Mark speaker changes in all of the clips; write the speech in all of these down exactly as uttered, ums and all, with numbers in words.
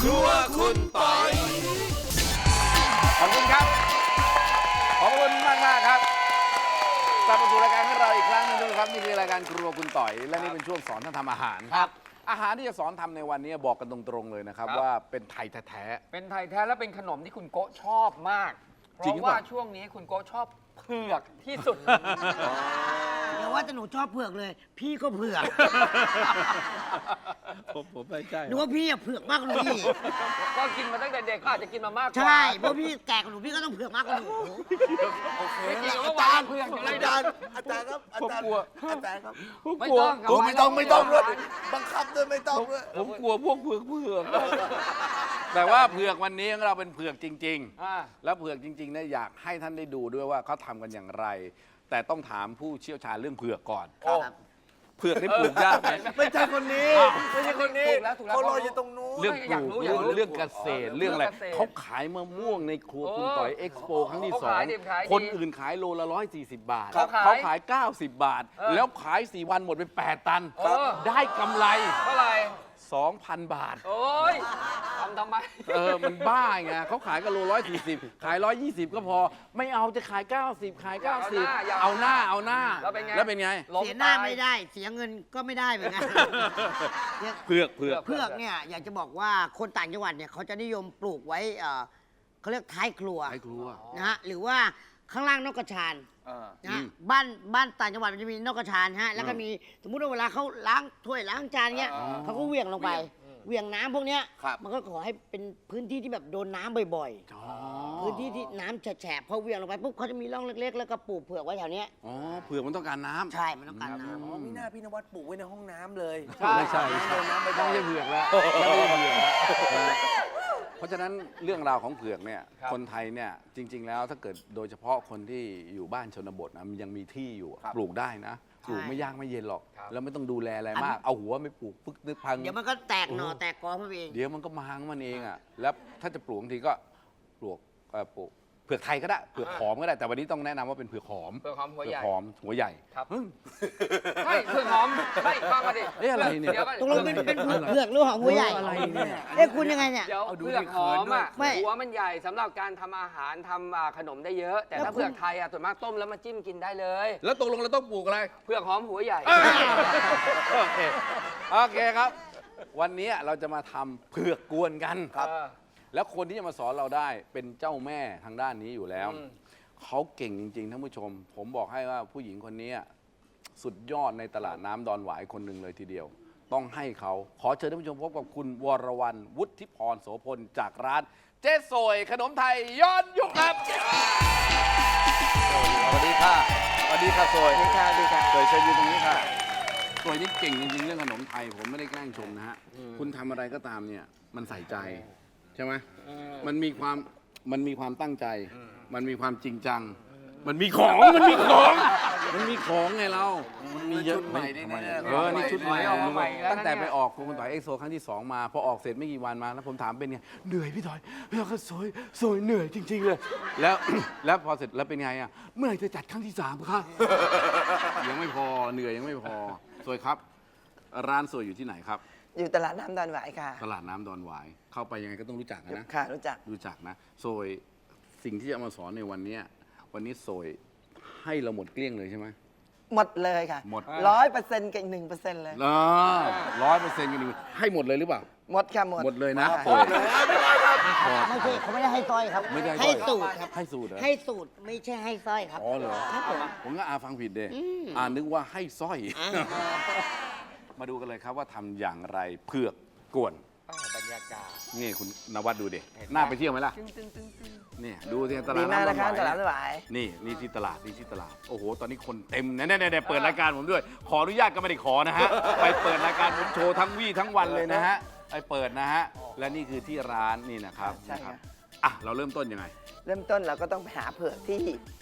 Speaker 1: ครัวคุณปอย
Speaker 2: ขอบคุณครับขอบคุณมากมากครับกลับมาสู่รายการของเราอีกครั้งหนึงทุกท่านครับนี่คือรายการครัวคุณต่อยและนี่เป็นช่วงสอนท่านทำอาหารครับอาหารที่จะสอนทำในวันนี้บอกกันตรงๆเลยนะครับว่าเป็นไทยแท้ๆ
Speaker 3: เป็นไทยแท้และเป็นขนมที่คุณโกะชอบมาก เพ
Speaker 2: จริง
Speaker 3: ราะ
Speaker 2: หรือเป
Speaker 3: ว่า
Speaker 2: ล่า
Speaker 3: ช่วงนี้คุณโกะชอบเผือกที่สุด
Speaker 4: อย่าว่าแต่หนูชอบเผือกเลย พี่ก็เผือก
Speaker 2: ผมผมไม่ใช่
Speaker 4: หนูว่าพี่อะเผือกมากกว่าหนูอีก
Speaker 3: ก็กินมาตั้งแต่เด็กก็อาจจะกินมามากกว่า
Speaker 4: ใช่เพราะพี่แก่กว่าหนูพี่ก็ต้องเผือกมากกว่าหนู
Speaker 1: โอเค
Speaker 3: ไม่กิน
Speaker 1: อา
Speaker 3: ก็
Speaker 1: จาร
Speaker 3: วาง
Speaker 1: ย์
Speaker 3: เผือกอยู่เล
Speaker 1: อาย จารย์อาจารย์ครับอาจารย์อาจารย์ครับ
Speaker 2: ผม
Speaker 3: ไม่
Speaker 2: กลัว
Speaker 3: ต้อง
Speaker 1: โอ้ไม่ต้องไม่ต้องด้วยบังคับด้วยไม่ต้องด้วย
Speaker 2: ผมกลัวพวกเผือกเผือกแต่ว่าเผือกวันนี้ของเราเป็นเผือกจริง
Speaker 3: อ่า
Speaker 2: ๆ แล้วเผือกจริงๆเนี่ยอยากให้ท่านได้ดูด้วยว่าเขาทำกันอย่างไร แต่ต้องถามผู้เชี่ยวชาญเรื่องเผือกก่อน
Speaker 3: โอ้
Speaker 2: เผือกนี่ปลูกยากไหม
Speaker 1: ไม่ใช่คนนี้ไม่ใช่คนนี้
Speaker 3: ถูกแล้วถูกแล้ว
Speaker 1: เขารออยู่ตรงนู้น
Speaker 2: เรื่องป
Speaker 3: อยาก
Speaker 2: ลูก
Speaker 3: รู้อยากรู้
Speaker 2: เรื่องเกษตรเรื่องอะไร
Speaker 3: เรื่องเกษตร
Speaker 2: เขาขายมะม่วงในครัวคุณต่อยเอ็กซ์โปครั้งที่ส
Speaker 3: เขา
Speaker 2: อง
Speaker 3: ขายดิบขายดี
Speaker 2: คนอื่นขายโลละร้อยสี่สิบบาท
Speaker 3: เขาขาย
Speaker 2: เขาขายเก้าสิบบาท
Speaker 3: เออ
Speaker 2: แล้วขายสี่วันหมดไปแปดตัน
Speaker 3: เออ
Speaker 2: ได้กำไร
Speaker 3: เท่าไหร่
Speaker 2: สองพันบาท
Speaker 3: โอ้ยทำทำไม
Speaker 2: เออ มันบ้าไงเขาขายกันโลร้อยสี่สิบขายร้อยยี่สิบก็พอ ไม่เอาจะขายเก้าสิบขายเก้าสิบ
Speaker 3: อยาก
Speaker 2: เอา
Speaker 3: เอา
Speaker 2: ห
Speaker 3: ห
Speaker 2: น้า
Speaker 3: น้า
Speaker 2: เอาหน้า
Speaker 3: แล้วเป็นไง
Speaker 2: แล้วเป็นไง
Speaker 3: ล้ม
Speaker 4: เสียหน้า
Speaker 3: ต
Speaker 4: ไม่ได้ เสียเงินก็ไม่ได้เหมือนกัน
Speaker 2: เผือกเผือก
Speaker 4: เผือกเนี่ยอยากจะบอกว่าคนต่างจังหวัดเนี่ยเขาจะนิยมปลูกไว้เอ่อเขาเรียกท้ายครัว
Speaker 2: ไอ้ครัว
Speaker 4: นะฮะหรือว่าข้างล่างนอกกระชาน
Speaker 3: เออ
Speaker 4: นะฮะ
Speaker 2: อืม
Speaker 4: บ้านบ้านต่างจังหวัดมันจะมีนอกกระชานฮะแล้วก็มีสมมุติว่าเวลาเขาล้างถ้วยล้างจานเงี้ย
Speaker 3: อ๋อ
Speaker 4: เขาก็เหวี่ยงลงไปเหวี่ยงน้ำพวกเนี้ย
Speaker 1: ครับ
Speaker 4: มันก็ขอให้เป็นพื้นที่ที่แบบโดนน้ำบ่อย
Speaker 2: อ๋อ
Speaker 4: ๆ พื้นที่ที่น้ำแฉะๆพอเหวี่ยงลงไปปุ๊บเขาจะมีร่องเล็กๆ แล้วก็ปลูกเผือกไว้แถวเนี้ย
Speaker 2: อ๋อเผือกมันต้องการน้ำ
Speaker 4: ใช่มันต้องการน้
Speaker 1: อ๋อมีหน้าพี่นวัดปลูกไว้ในห้องน้ำเลย
Speaker 2: ไม่ใช่ไม่ใช่
Speaker 1: น้ำไม่
Speaker 2: ไม่
Speaker 1: ได้
Speaker 2: ใช่เผือกแล้วไม่ใช่เผือกแล้วเพราะฉะนั้นเรื่องราวของเผือกเนี่ย
Speaker 3: ครับ
Speaker 2: คนไทยเนี่ยจริง ๆ แล้วถ้าเกิดโดยเฉพาะคนที่อยู่บ้านชนบทนะมันยังมีที่อยู่อะปลูกได้นะปลูกไม่ยากไม่เย็นหรอก แล้วไม่ต้องดูแลอะไรมาก เอาหัวไม่ปลูกปึ๊กนึกพัง
Speaker 4: ำเดี๋ยวมันก็แตกหน่อแตกกอมันเอง
Speaker 2: เดี๋ยวมันก็มาของมันเองอ่ะ แล้วถ้าจะปลูกบางทีก็ปลูกเอ่อปลูกเผือกไทยก็ได้ เผือกหอมก็ได้ แต่วันนี้ต้องแนะนำว่าเป็นเผือกหอม
Speaker 3: เผือกหอมหัวใหญ่
Speaker 2: เผือกหอมหัวใหญ่
Speaker 3: ครับ
Speaker 2: อืม
Speaker 3: เฮ้ยเผือกหอมไม่ฟังมาดิ
Speaker 2: เอ๊ะอะไรเนี่ย
Speaker 3: ดี๋วก่อ
Speaker 4: ตกลงเป็นเป็นเผือกเผือกหรือหอมหัวใหญ่
Speaker 2: อะไรเนี่ย
Speaker 4: เอ๊ะคุณยังไงเนี่ย
Speaker 3: เดี๋ยว
Speaker 1: เอาดู
Speaker 3: เผือก
Speaker 1: ดิ
Speaker 3: หอมอ่ะ
Speaker 4: ไม่
Speaker 3: หัวมันใหญ่สำหรับการทำอาหารทำอ่าขนมได้เยอะ แต่
Speaker 4: แล้ว
Speaker 3: ถ้า
Speaker 4: คุณ
Speaker 3: เผือกไทยอ่ะส่วนมากต้มแล้วมาจิ้มกินได้เลย
Speaker 2: แล้วตกลงเราต้องปลูกอะไร
Speaker 3: เผือกหอมหัวใหญ่
Speaker 2: โอเค โอเคครับ วันนี้เราจะมาทำเผือกกวนกัน
Speaker 3: ครับ
Speaker 2: แล้วคนที่จะมาสอนเราได้เป็นเจ้าแม่ทางด้านนี้อยู่แล้ว
Speaker 3: อืม
Speaker 2: เขาเก่งจริงๆท่านผู้ชม ผมบอกให้ว่าผู้หญิงคนนี้สุดยอดในตลาดน้ำดอนหวายคนหนึ่งเลยทีเดียว ต้องให้เขาขอเชิญท่านผู้ชมพบกับคุณวรวรรณวุฒิพรโสพลจากร้านเจ๊สวยขนมไทยย้อนยุคครับสวัสดีค่ะสวัสดีค่ะสวย
Speaker 4: ดีค่ะดีค่ะ
Speaker 2: สวยเชิญอยู่ตรงนี้ค่ะสวยนี่เก่งจริงๆเรื่องขนมไทยผมไม่ได้แกล้งชมนะฮะคุณทำอะไรก็ตามเนี่ยมันใส่ใจใช่ไหมมันมีความมันมีความตั้งใจ มันมีความจริงจัง มันมีของ มันมีของ มันมีของไงเรา มันมีเยอะ
Speaker 1: ชุดใหม่นี่
Speaker 2: ทำไม
Speaker 1: แน่ๆ
Speaker 2: เออ นี่ชุดใหม่
Speaker 3: ออกมาใหม่แล้วนะ
Speaker 2: ตั้งแต่
Speaker 3: เนี่ย
Speaker 2: ไปออกคุณต่อยเอ็กโซครั้งที่สองมา พอออกเสร็จไม่กี่วันมา แล้วผมถามเป็นไง เหนื่อยพี่ต่อยแล้วก็สวยสวยเหนื่อยจริง ๆ เลย แล้ว แล้วพอเสร็จแล้วเป็นไงอ่ะ เมื่อไหร่จะจัดครั้งที่สามคะ ยังไม่พอ เหนื่อยยังไม่พอ สวยครับ ร้านสวยอยู่ที่ไหนครับ
Speaker 5: อยู่ตลาดน้ำดอนหวายค่ะ
Speaker 2: ตลาดน้ำดอนหวาย เข้าไปยังไงก็ต้องรู้จักนะ
Speaker 5: ค่ะ รู้จัก
Speaker 2: รู้จักนะโซยสิ่งที่จะเอามาสอนในวันเนี้ยวันนี้โซยให้เราหมดเกลี้ยงเลยใช่ไหม
Speaker 5: หมดเลยค่ะ
Speaker 2: หมด
Speaker 5: ร้อยเปอร์เซ็นต์กับอีกหนึ่งเปอร์เซ็นต์เลย
Speaker 2: ร้อยเปอร์เซ็นต์กันดีให้หมดเลยหรือเปล่า
Speaker 5: หมดค่ะ หมด
Speaker 2: หมดเลยนะ
Speaker 5: ค่
Speaker 2: โซยพอ
Speaker 4: ไม่ใช่เขาไม่ได้ให้สร้อยครับ
Speaker 2: ไม่ได้
Speaker 4: ให้
Speaker 2: สร้
Speaker 4: สู
Speaker 2: อย
Speaker 4: ตรครับ
Speaker 2: ให้สูตรเหรอ
Speaker 4: ให้สูตรไม่ใช่ให้สร้อยครับ
Speaker 2: อ๋อเหรอ
Speaker 4: ครับผม
Speaker 2: ผมก็อาฟังผิดเด้อ่านึกว่าให้สร้อย
Speaker 4: อ่า
Speaker 2: มาดูกันเลยครับว่าทำอย่างไรเผือกกวน
Speaker 3: อ้าวบรรยากาศ
Speaker 2: นี่คุณนวัดดูเด็
Speaker 3: เห็นไหม
Speaker 2: น่าไปเที่ยวไหมล่ะ
Speaker 3: ตึ้งตึ้งตึ้งตึ้ง
Speaker 2: นี่ดูที่ตลา
Speaker 5: ดี
Speaker 2: ด
Speaker 5: มาก
Speaker 2: น้ำ
Speaker 5: นะคะ
Speaker 2: ด
Speaker 5: ต
Speaker 2: อน
Speaker 5: ลาด
Speaker 2: ห
Speaker 5: น้ำ
Speaker 2: วา
Speaker 5: ดอย นหวาย
Speaker 2: นี่นี่ที่ตลาดนี่ที่ตลาดโอ้โหตอนนี้คนเต็มนะเนี่ยเปิดรายการผมด้วย ขออนุญาตก็ไม่ได้ขอนะฮะ ไปเปิดรายการผมโชว์ทั้งวี่ทั้งวันเลยนะฮะไปเปิดนะฮะและนี่คือที่ร้านนี่นะครับ
Speaker 5: ใช่
Speaker 2: นะค
Speaker 5: ค่ะ
Speaker 2: รับอ่ะเราเริ่มต้นยังไง
Speaker 5: เริ่มต้นเราก็ต้องไปหาเผือกที่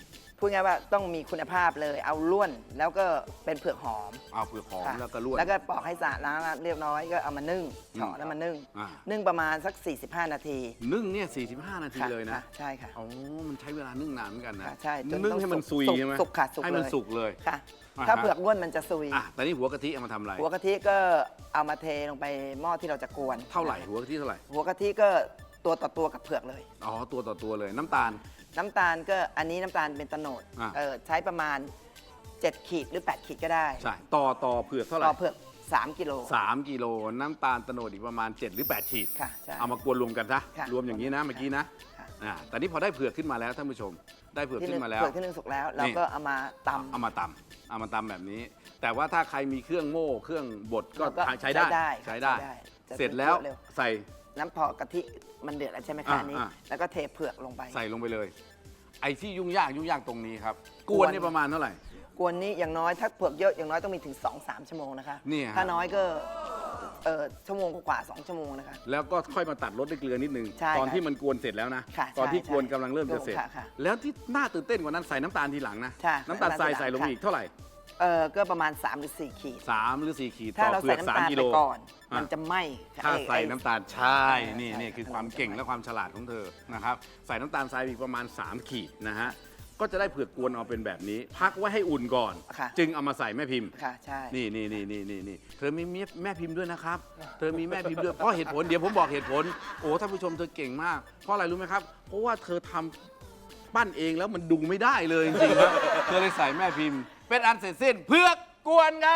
Speaker 5: พูดง่ายๆว่าต้องมีคุณภาพเลย เอาล้วนแล้วก็เป็นเผือกหอม
Speaker 2: เอาเผือกหอม
Speaker 5: ค่ะ
Speaker 2: แล้วก็ลวก
Speaker 5: แล้วก็ปอกให้สะอาดล้างเรียบร้อยก็เอามานึ่ง
Speaker 2: อืม
Speaker 5: เฉาะแล้วมานึ่ง
Speaker 2: อ่า
Speaker 5: นึ่งประมาณสัก สี่สิบห้า นาที
Speaker 2: นึ่งเนี่ย45 นาที
Speaker 5: ค่ะ
Speaker 2: เลยนะ
Speaker 5: ค่ใช่ค่ะ
Speaker 2: อ๋อมันใช้เวลานึ่งนานเหมือนกันนะ
Speaker 5: ค่ะใช่จน
Speaker 2: นึ่ง
Speaker 5: ต้อง
Speaker 2: ให้มัน
Speaker 5: สุ
Speaker 2: ซุ
Speaker 5: ก
Speaker 2: ยใช่ไหม
Speaker 5: สุกค่ะสุก
Speaker 2: ให้มัน
Speaker 5: เลย
Speaker 2: สุกเลย
Speaker 5: ค่ะ
Speaker 2: อ่า
Speaker 5: ถ้า
Speaker 2: ฮะ
Speaker 5: เผือกล้วนมันจะซุย
Speaker 2: อ่ะแต่นี่หัวกะทิเอามาทำอะไร
Speaker 5: หัวกะทิก็เอามาเทลงไปหม้อที่เราจะกวน
Speaker 2: เท่าไหร่หัวกะทิเท่าไหร่
Speaker 5: หัวกะทิก็ตัวต่อตัวกับเผือกเลย
Speaker 2: อ๋อตัวต่อตัวเลยน้ำตาล
Speaker 5: น้ำตาลก็อันนี้น้ำตาลเป็นโตโนด
Speaker 2: อ่า
Speaker 5: เออใช้ประมาณ เจ็ด ขีดหรือ แปด ขีดก็ได้
Speaker 2: ใช่ต่อต่อเผือกเท่าไหร่
Speaker 5: ต่อเผือก สาม กิโล
Speaker 2: สามกิโลน้ำตาลโตโนดอีกประมาณเจ็ดหรือแปดขีด
Speaker 5: ค่ะใช่
Speaker 2: เอามากวนรวมกันซะ
Speaker 5: ค่ะ
Speaker 2: รวมอย่างนี้นะเมื่อกี้นะ
Speaker 5: ค่ะ
Speaker 2: อ่าแต่นี่พอได้เผือกขึ้นมาแล้วท่านผู้ชม ได้เผือก
Speaker 5: ที่
Speaker 2: ขึ้
Speaker 5: นึ่ง
Speaker 2: นมาแล้ว
Speaker 5: เผือกที่นึ่งสุกแล้ว เราก็เอามาตำ
Speaker 2: เอามาตำเอามาตำแบบนี้ แต่ว่าถ้าใครมีเครื่องโม่เครื่องบดก็
Speaker 5: เราก็
Speaker 2: ใช้ได้
Speaker 5: ใช้ได้
Speaker 2: ใช้ได้
Speaker 5: ใช้ได้จะ
Speaker 2: เสร็จแล้ว
Speaker 5: เร็ว
Speaker 2: ใส่
Speaker 5: น้ำพอกะทิมันเดือดแล้วใช่ไหมคะ
Speaker 2: อ่า
Speaker 5: อันนี้
Speaker 2: อ่า
Speaker 5: แล้วก็เทเผือกลงไป
Speaker 2: ใส่ลงไปเลย ไอ้ที่ยุ่งยากยุ่งยากตรงนี้ครับ ก
Speaker 5: ก
Speaker 2: ว
Speaker 5: วน น
Speaker 2: นี่ประมาณเท่าไหร่
Speaker 5: กวนนี้อย่างน้อยถ้าเผือกเยอะอย่างน้อยต้องมีถึง สองสาม ชั่วโมงนะคะ
Speaker 2: เนี่ยฮะ
Speaker 5: ถ้าน้อยก็เออชั่วโมงกว่าๆสองชั่วโมงนะคะ
Speaker 2: แล้วก็ค่อยมาตัดรสด้วยเกลือนิดนึง
Speaker 5: ใช่
Speaker 2: ตอน
Speaker 5: ค่ะ
Speaker 2: ที่มันกวนเสร็จแล้วนะ
Speaker 5: ค่ะ
Speaker 2: ตอนที่
Speaker 5: ใช่
Speaker 2: กวน
Speaker 5: ใช่
Speaker 2: กำลังเริ่มจะเสร็จ
Speaker 5: ค่ะค่ะ
Speaker 2: แล้วที่น่าตื่นเต้นกว่านั้นใส่น้ำตาลทีหลังนะ
Speaker 5: ใช่
Speaker 2: น้ำตาลทราย
Speaker 5: น้ำตาลทีหลัง
Speaker 2: ใส่ลง
Speaker 5: ค่ะ
Speaker 2: อีกเท่าไหร่
Speaker 5: เออก็ประมาณ สาม หรือ สี่ ขีด
Speaker 2: สามหรือสี่ขีด
Speaker 5: ถ้า
Speaker 2: ต่อ
Speaker 5: เรา
Speaker 2: เผื
Speaker 5: ใส่
Speaker 2: อก
Speaker 5: น้ำ
Speaker 2: สาม
Speaker 5: ตาล
Speaker 2: กิ
Speaker 5: ไป
Speaker 2: โล
Speaker 5: ก่อน
Speaker 2: อ่ะ
Speaker 5: มันจะไหม้
Speaker 2: ถ้า
Speaker 5: ไอ้
Speaker 2: ใส่
Speaker 5: ไอ้
Speaker 2: น้ำตาลใช่ นี่
Speaker 5: ใช่
Speaker 2: นี่
Speaker 5: ใช่
Speaker 2: คือความเก่งและความฉลาดของเธอนะครับ ใส่น้ำตาลทรายอีกประมาณ สาม ขีดนะฮะ ก็จะได้เผือกกวนออกเป็นแบบนี้ พักไว้ให้อุ่นก่อน
Speaker 5: ค่ะ
Speaker 2: จึงเอามาใส่แม่พิมพ์
Speaker 5: ค่ะใช่
Speaker 2: นี่นี่นี่นี่นี่นี่เธอมีแม่พิมพ์ด้วยนะครับ เธอมีแม่พิมพ์ด้วย เพราะเหตุผล เดี๋ยวผมบอกเหตุผล โอ้ท่านผู้ชมเธอเก่งมาก เพราะอะไรรู้ไหมครับ เพราะว่าเธอทำปั้นเองแล้วมันดูไม่ได้เลยจริงๆครับเธอเลยใส่แม่พิมพ์ เป็นอันเสร็จสิ้นเผือกกวนครับ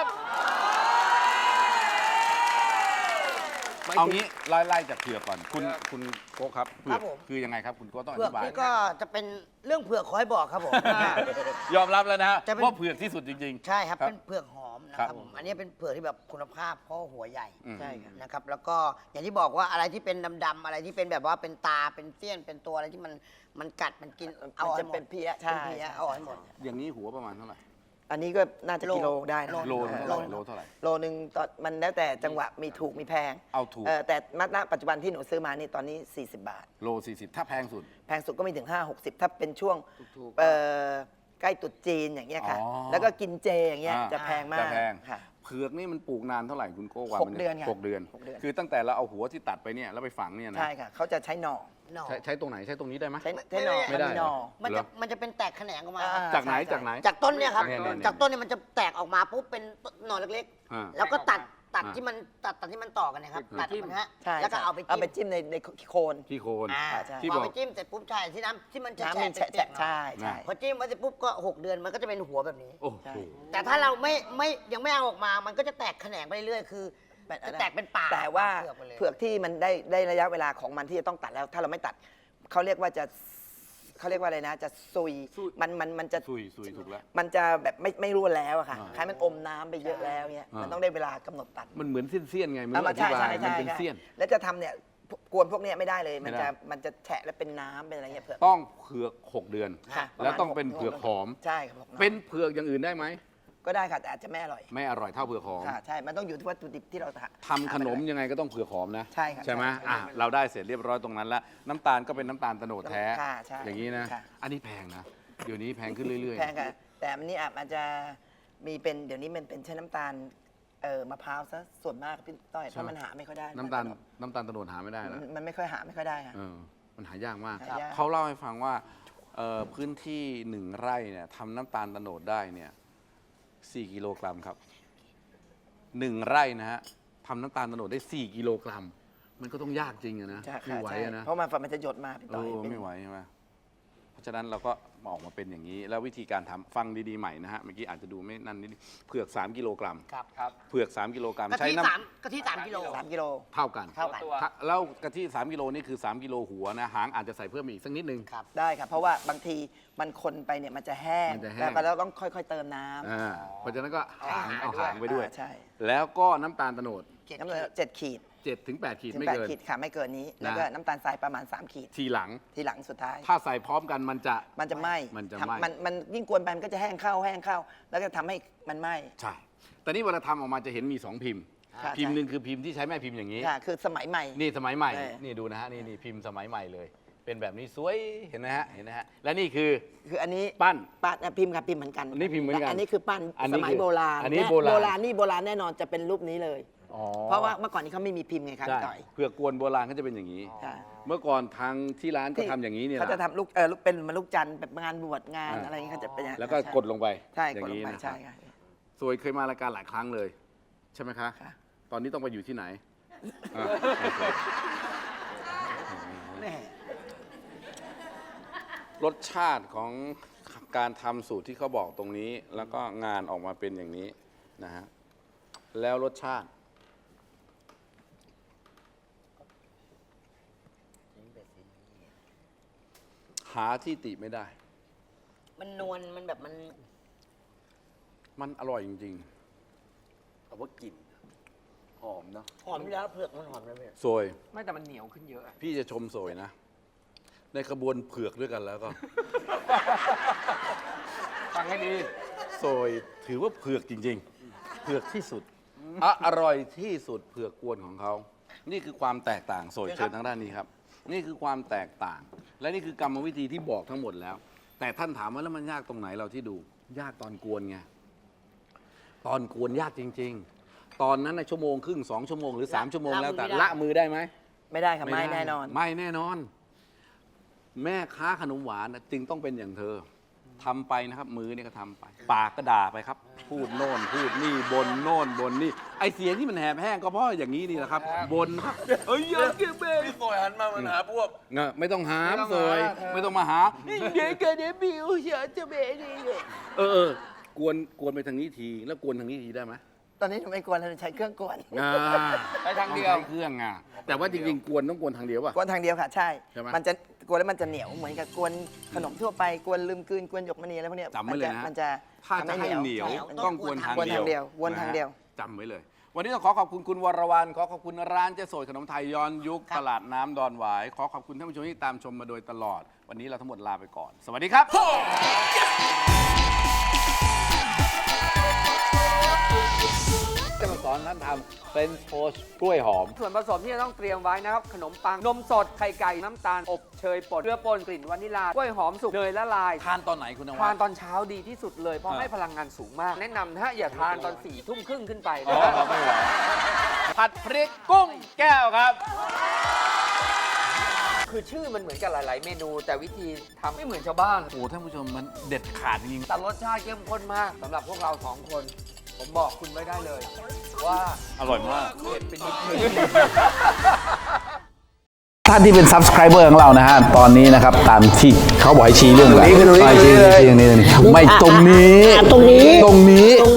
Speaker 2: เอางี้ไล่ไล่จากเผือกก่อน คุณคุณโก้ครับเผื
Speaker 4: ครั
Speaker 2: อก
Speaker 4: บผม
Speaker 2: คือยังไงครับคุณโก้ต้องอ
Speaker 4: เผือก
Speaker 2: ธิบาย
Speaker 4: นี่ก็จะเป็นเรื่องเผือกขอให้บอกครับผม
Speaker 2: ยอมรับแล้วนะฮะ
Speaker 4: จะเป็น
Speaker 2: ว่าเผือกที่สุดจริงๆ
Speaker 4: ใช่ครับ
Speaker 2: ครับ
Speaker 4: เป็นเผือกหอมนะค
Speaker 2: ครั
Speaker 4: รับบ ผมอันนี้เป็นเผือกที่แบบคุณภาพเพราะหัวใหญ่
Speaker 2: อืม
Speaker 5: ใช่ค่ะ
Speaker 4: นะครับ แล้วก็อย่างที่บอกว่าอะไรที่เป็นดำๆอะไรที่เป็นแบบว่าเป็นตาเป็นเสี้ยนเป็นตัวอะไรที่มันมันกัดมันกินเอา
Speaker 5: มัน
Speaker 4: ให้
Speaker 5: จะ
Speaker 4: หมด
Speaker 5: เป็นเพี้ย
Speaker 4: เป็น
Speaker 5: ใช่
Speaker 4: เพี้ย
Speaker 5: ใช่
Speaker 4: เอาให้หมด
Speaker 2: อย่างนี้หัวประมาณเท่าไหร่
Speaker 5: อันนี้ก็น่าจะ
Speaker 4: โล
Speaker 5: กิโลได้นะ
Speaker 2: โลเท่าไหร่
Speaker 5: โล
Speaker 2: โลเท่าไหร่
Speaker 5: โลหนึ่งตอนมันแล้วแต่จังหวะมีถูกมีแพง
Speaker 2: เอาถูก
Speaker 5: เออแต่ณปัจจุบันที่หนูซื้อมานี่ตอนนี้ สี่สิบ บาท
Speaker 2: โลสี่สิบถ้าแพงสุด
Speaker 5: แพงสุดก็ไม่ถึง ห้าหกสิบ ถ้าเป็นช่วง
Speaker 2: ถูกๆ
Speaker 5: เอ่อใกล้ตรุษจีนอย่างเงี้ยค่ะ
Speaker 2: อ๋อ
Speaker 5: แล้วก็กินเจอย่างเงี้ย
Speaker 2: อ่า
Speaker 5: จะแพงมาก
Speaker 2: จะแพง
Speaker 5: ค่ะ
Speaker 2: เผือกนี่มันปลูกนานเท่าไหร่คุณโก้ว่า
Speaker 5: หก
Speaker 2: มั
Speaker 5: เดือนค่ะ
Speaker 2: หกเดือน
Speaker 5: หกเดือน
Speaker 2: คือตั้งแต่เราเอาหัวที่ตัดไปเนี่ยแล้วไปฝังเนี่ยนะ
Speaker 5: ใช่ค่ะเขาจะใช้หน่อ
Speaker 4: หน่อ
Speaker 2: ใช้ใช้ตรงไหนใช้ตรงนี้ได้ไหม
Speaker 5: ใช้ใช้หน่อ
Speaker 2: ไม่ได้
Speaker 5: นหน่อ
Speaker 4: มัน
Speaker 2: เหร
Speaker 4: จะ
Speaker 2: อ
Speaker 4: มันจะเป็นแตกแขนงออกมา
Speaker 5: อ่า
Speaker 2: จากไหน
Speaker 5: ใช่
Speaker 2: จากไหน
Speaker 4: จากต้นเนี่ยครับ
Speaker 2: เนี่ยเนี่ย
Speaker 4: จากต้นเนี่ยมันจะแตกออกมาปุ๊บเป็นหน่อเล็ก
Speaker 2: อ่า
Speaker 4: ๆ แล้วก็ตัดตัด
Speaker 2: อ่า
Speaker 4: ที่มันตัดตัดที่มันต่อกันนะครับ ตัดมันฮะ
Speaker 5: ใช่
Speaker 4: แล้วก็เอาไป
Speaker 5: เอาไป
Speaker 4: จิ้ม
Speaker 5: จิ้มในในโคน
Speaker 2: ที่โคน
Speaker 4: อ่า
Speaker 5: ใช่
Speaker 2: ที่
Speaker 4: พ
Speaker 2: บ
Speaker 4: อ
Speaker 2: อก
Speaker 4: ไปจิ้มเสร็จปุ๊บใช่ที่น้ำที่มันจะ
Speaker 5: น้ำมัน
Speaker 4: แฉะ
Speaker 5: แฉะ
Speaker 4: ๆ
Speaker 5: ใช่ใช่
Speaker 4: พอจิ้มไว้เสร็จปุ๊บก็หกเดือนมันก็จะเป็นหัวแบบนี้
Speaker 2: โอ้โห
Speaker 5: ใช่
Speaker 4: แต่ถ้าเราไม่ไม่ยังไม่เอาออกมา มันก็จะแตกแขนงไปเรื่อยๆคือจะแตกเป็นป่า
Speaker 5: แต่ว่า
Speaker 4: เผือกไปเลย
Speaker 5: เผือกที่มันได้ได้ระยะเวลาของมันที่จะต้องตัดแล้ว ถ้าเราไม่ตัดเขาเรียกว่าจะเขาเรียกว่าอะไรนะ จะซุย
Speaker 2: ซุย
Speaker 5: มันมันมันจะ
Speaker 2: ซุยซุยถูกแล้ว
Speaker 5: มันจะแบบไม่ไม่ร่วนแล้วอะค่ะ
Speaker 2: อ่า
Speaker 5: คล้ายมันอมน้ำไปเยอะแล้วเนี่ย
Speaker 2: อ่ามั
Speaker 5: มันต้องได้เวลากำหนดตัด
Speaker 2: มันเหมือนเสี้ยนๆไงมัน
Speaker 5: เอามา
Speaker 2: อธิ
Speaker 5: ใช่
Speaker 2: บาย
Speaker 5: ใช่
Speaker 2: มัน
Speaker 5: ใช่
Speaker 2: เป็น
Speaker 5: ใช่
Speaker 2: เสี้ยน
Speaker 5: แล้วจะทำเนี่ยกวนพวกเนี้ยไม่ได้เลย มัน
Speaker 2: ไม่ได้
Speaker 5: จะมันจะแฉะและเป็นน้ำเป็นอะไรเงี้ยเผือก
Speaker 2: ต้องเผือกหกเดือน
Speaker 5: ค่ะ
Speaker 2: แล้วต้อง
Speaker 5: ประมาณ
Speaker 2: เป็นเผือกหอม
Speaker 5: ใช่ครับผม
Speaker 2: เป็นเผือกอย่างอื่นได้ไหม
Speaker 5: ก็ได้ค่ะแต่อาจจะไม่อร่อย
Speaker 2: ไม่อร่อยเท่าเผือกหอม
Speaker 5: ค่ะใช่ มันต้องอยู่ที่วัตถุดิบที่เราท
Speaker 2: ทำขนมยังไงก็ต้องเผือกหอมนะ
Speaker 5: ใช่ค่ะ
Speaker 2: ใช่ไหม
Speaker 5: ใช่
Speaker 2: อ่ะเราได้เสร็จเรียบร้อยตรงนั้นแล้วน้ำตาลก็เป็นน้ำตาลโตโนดแท้
Speaker 5: ค่ะใช่
Speaker 2: อย่างนี้นะ
Speaker 5: ค่ะ
Speaker 2: อันนี้แพงนะ เดี๋ยวนี้แพงขึ้นเรื่อยๆ
Speaker 5: แพงค่ะ แต่อันนี้อาจจะมีเป็นเดี๋ยวนี้มันเป็นใช้น้ำตาลเอ่อมะพร้าวซะส่วนมากพี่ต้อยเพราะมันหาไม่ค่อยได้
Speaker 2: น้ำตาลน้ำตาลโตโนดหาไม่ได้แล้ว
Speaker 5: มันมันไม่ค่อยหาไม่ค่อยได้ค่ะ
Speaker 2: เออมันหายากมาก
Speaker 5: หายาก
Speaker 2: เขาเล่าให้ฟังว่าเอ่อพื้นที่หนึ่งไร่เนี่ยทำน้ำตาลโตโนดได้เนี่ยสี่กิโลกรัมครับหนึ่งไร่นะฮะทำน้ำตาลโตโนดได้สี่กิโลกรัม มันก็ต้องยากจริงอะนะ
Speaker 5: ใช่
Speaker 2: ไม่
Speaker 5: ค่ะ
Speaker 2: ไหว
Speaker 5: ใช่
Speaker 2: อะนะ
Speaker 5: เพราะมันฝันมันจะหยดมาพี่
Speaker 2: เอ
Speaker 5: ต้อย
Speaker 2: อ
Speaker 5: เป็น
Speaker 2: ไม่ไหวใช่ไหมเพราะฉะนั้นเราก็ออกมาเป็นอย่างนี้ แล้ววิธีการทำฟังดีๆใหม่นะฮะเมื่อกี้อาจจะดูไม่นั่นนิดเผือกสามกิโลกรัม
Speaker 4: ครับ
Speaker 3: ครับ
Speaker 2: เผือกสามกิโลกรัม
Speaker 4: กะ
Speaker 2: ใช้
Speaker 4: ทิ
Speaker 2: น้
Speaker 4: สามกะทิสามกิโล
Speaker 5: สามกิโล
Speaker 2: ำเท่ากัน
Speaker 4: เท่ากัน
Speaker 3: ตัว
Speaker 2: ถ้าแล้วกะทิสามกิโลนี่คือสามกิโลหัวนะหางอาจจะใส่เพิ่มอีกสักนิดนึง
Speaker 4: ครับ
Speaker 5: ได้ครับ เพราะว่าบางทีมันคนไปเนี่ยมันจะแห้ง
Speaker 2: มันจะแห้ง
Speaker 5: แล้วก็เราต้องค่อยๆเติมน้ำ
Speaker 2: อ่าเพราะฉะนั้นก็หาง
Speaker 4: เอา
Speaker 2: เอา
Speaker 4: หาง
Speaker 2: หางไปด้วย
Speaker 5: อ่าใช่
Speaker 2: แล้วก็น้ำตาลโตโนด
Speaker 4: เจ็ด
Speaker 5: น้ำตาลเจ็ดขีด
Speaker 2: เจ็ดถึงแปดขีด
Speaker 5: ถึง
Speaker 2: ไม่
Speaker 5: แปด
Speaker 2: เกิน
Speaker 5: ขีดค่ะไม่เกินนี้ แล้วก็น้ำตาลทรายประมาณ สาม ขีด
Speaker 2: ทีหลัง
Speaker 5: ทีหลังสุดท้าย
Speaker 2: ถ้าใส่พร้อมกันมันจะ
Speaker 5: มันจะไหม้
Speaker 2: มันจะ
Speaker 5: ทำ
Speaker 2: ไหม้
Speaker 5: มันมันยิ่งกวนไปมันก็จะแห้งเข้าแห้งเข้า แล้วก็ทำให้มันไหม้
Speaker 2: ใช่ แต่นี่เวลาทำออกมาจะเห็นมีสองพิมพ์
Speaker 5: ค่ะ
Speaker 2: พิมพ์
Speaker 5: ใช่
Speaker 2: หนึ่งคือพิมพ์ที่ใช้แม่พิมพ์อย่างนี้
Speaker 5: ค่ะ คือสมัยใหม่
Speaker 2: นี่สมัยใหม่
Speaker 5: ใช่
Speaker 2: นี่ดูนะฮะ นี่นี่พิมพ์สมัยใหม่เลยเป็นแบบนี้สวยเห็นไหมฮะเห็นไหมฮะและนี่คือ
Speaker 5: คืออันนี้
Speaker 2: ปั้น
Speaker 5: ปั้นอ่ะพิมพ์กับพิมพ์เหมือนกัน
Speaker 2: อันนี้พิมพ์เหมือนกัน
Speaker 5: แต่อันนี้คือปั้น
Speaker 2: อันนี้
Speaker 5: สมัย
Speaker 2: คือ
Speaker 5: โบราณ
Speaker 2: อันนี้
Speaker 5: แ
Speaker 2: โบราณ
Speaker 5: โบราณนี่โบราณแน่นอนจะเป็นรูปนี้เลย
Speaker 2: อ๋อ
Speaker 5: เพราะว่าเมื่อก่อนนี้เขาไม่มีพิมพ์ไงครับ
Speaker 2: ใช่
Speaker 5: ต่อย
Speaker 2: เผือกกวนโบราณเขาจะเป็นอย่างนี้
Speaker 5: ใช่
Speaker 2: เมื่อก่อนทางที่ร้านก็ทำอย่างนี้เนี่ย
Speaker 5: เขาจะ
Speaker 2: นะ
Speaker 5: ทำลูกเออลูกเป็นเหมันลูกจันทร์แบบงานบวชงาน
Speaker 2: อ่า
Speaker 5: อะไรอย่างเงี้ยเขาจะเป็นอย่างนั้น
Speaker 2: แล้วก็
Speaker 5: ใช่
Speaker 2: กดลงไป
Speaker 5: ใช่
Speaker 2: อก ย่า
Speaker 5: ด
Speaker 2: ง
Speaker 5: ลง
Speaker 2: นี้
Speaker 5: ไป
Speaker 2: นะค
Speaker 5: ใช่
Speaker 2: รับ
Speaker 5: ค่ะ
Speaker 2: สวยเคยมารายการหลายครั้งเลย ใช่ไหมคะ
Speaker 5: ค่ะ
Speaker 2: ตอนนี้ต้องไปอยู่ที่ไหนอ่ะ
Speaker 5: แม่
Speaker 2: รสชาติของการทำสูตรที่เขาบอกตรงนี้ แล้วก็งานออกมาเป็นอย่างนี้นะฮะแล้วรสชาติ หาที่ติไม่ได้
Speaker 4: มันนวลมันแบบมัน
Speaker 2: มันอร่อยจริง
Speaker 1: แต่ว่ากลิ่นหอมเนาะ
Speaker 4: หอมอยู่แล้วเผือกมันหอมแล้วพี่
Speaker 2: ๆโซย
Speaker 3: ไม่แต่มันเหนียวขึ้นเยอะอะ
Speaker 2: พี่จะชมโซยนะ ในขบวนเผือกด้วยกันแล้วก็
Speaker 3: ฟังให้ดี
Speaker 2: โซยถือว่าเผือกจริง ๆ เผือกที่สุดอะอร่อยที่สุดเผือกกวนของเขา นี่คือความแตกต่างโซยเชิญทางด้านนี้ครับ นี่คือความแตกต่าง และนี่คือกรรมวิธีที่บอกทั้งหมดแล้ว แต่ท่านถามว่าแล้วมันยากตรงไหนเราที่ดู ยากตอนกวนไง ตอนกวนยากจริง ๆ ตอนนั้นในชั่วโมงครึ่งสองชั่วโมงหรือสามชั่วโมงแล้วแต่ละมือได้ไหม
Speaker 5: ไม่ได้ค่ะไม่
Speaker 2: ด้
Speaker 5: แน่นอน
Speaker 2: ไม่แน่นอน แม่ค้าขนมหวานน่ะจึงต้องเป็นอย่างเธอทำไปนะครับ มือเนี่ยก็ทำไป ปากก็ด่าไปครับ พูดโน่นพูดนี่บนโน่นบนนี่ไอเสียงที่มันแหบแห้งก็เพราะอย่างนี้นี่แหละครับบนครับเอ้ยอย่าเก็บเบง
Speaker 1: พี่โซยหันมามันหาพวก
Speaker 2: เงอะไม่ต้องหามสวยไม่ต้องมาหาเดี๋ยวเกิดเดี๋ยวบิวเฉยจะเบนี่เออเออกวนกวนไปทางนี้ทีแล้วกวนทางนี้ทีได้ไหม
Speaker 5: ตอนนี้หนูไม่กวนเราใช้เครื่องกวน
Speaker 2: อ่า
Speaker 3: ไปทางเดียว
Speaker 2: ต้องใช้เครื่องอ่ะแต่ว่าจริงๆกวนต้องกวนทางเดียวป่ะ
Speaker 5: กวนทางเดียวค่ะใช่
Speaker 2: ใช่ไหม
Speaker 5: มันจะกวนแล้วมันจะเหนียวเหมือนกับกวนขนมทั่วไปกวนลืมกลืนกวนหยกมณีอะไรพวกเนี้ย
Speaker 2: จำไว้เลยนะ
Speaker 5: มันจะ
Speaker 2: ถ้าจะให้เหนียว
Speaker 5: ใช่
Speaker 2: ต้องกวนทาง
Speaker 5: กวน
Speaker 2: เดียว
Speaker 5: ทางเดียววนทางเดียว
Speaker 2: นะฮะจำไว้เลย วันนี้ต้องขอขอบคุณคุณวรวรรณขอขอบคุณร้านเจ๊โสดขนมไทยย้อนยุคตลาดน้ำดอนหวาย ขอขอบคุณท่านผู้ชมที่ตามชมมาโดยตลอด วันนี้เราทั้งหมดลาไปก่อน สวัสดีครับจะมาสอนท่านทำเป็นโพสกล้วยหอม
Speaker 3: ส่วนผสมที่จะต้องเตรียมไว้นะครับ ขนมปัง นมสด ไข่ไก่ น้ำตาล อบเชยป่นเกลือป่นกลิ่นวานิลากล้วยหอมสุกเนยละลาย
Speaker 2: ทานตอนไหนคุณนวั
Speaker 3: ทาน
Speaker 2: ด
Speaker 3: ตอนเช้าดีที่สุดเลย เพราะ
Speaker 2: อ่า
Speaker 3: ให้พลังงานสูงมาก แนะนำนะฮะอย่าทานตอนสี่ทุ่มครึ่งขึ้นไป
Speaker 2: อ๋
Speaker 3: นะ
Speaker 2: อ
Speaker 3: ฮะ
Speaker 2: ไม่ไหวผัดพริกกุ้งแก้วครับ
Speaker 3: คือชื่อมันเหมือนกับหลาย ๆ เมนู แต่วิธีทำไม่เหมือนชาวบ้าน
Speaker 2: โอ้ท่านผู้ชมมันเด็ดขาดจริง
Speaker 3: แต่รสชาติเข้มข้นมากสำหรับพวกเราสองคน ผมบอกคุณไว้ได้เลย ว่า
Speaker 2: อร่อยมาก
Speaker 3: เผ็ดเป็นนิดนึง
Speaker 2: ท่านที่เป็น subscriber ของเรานะฮะ ตอนนี้นะครับ ตามที่เขาบอกให้ชี้เรื่องอะไรชี้ชี้ชี้ตรงนี้ไม่ตรงนี้
Speaker 4: ตรงนี้
Speaker 2: ตรงนี้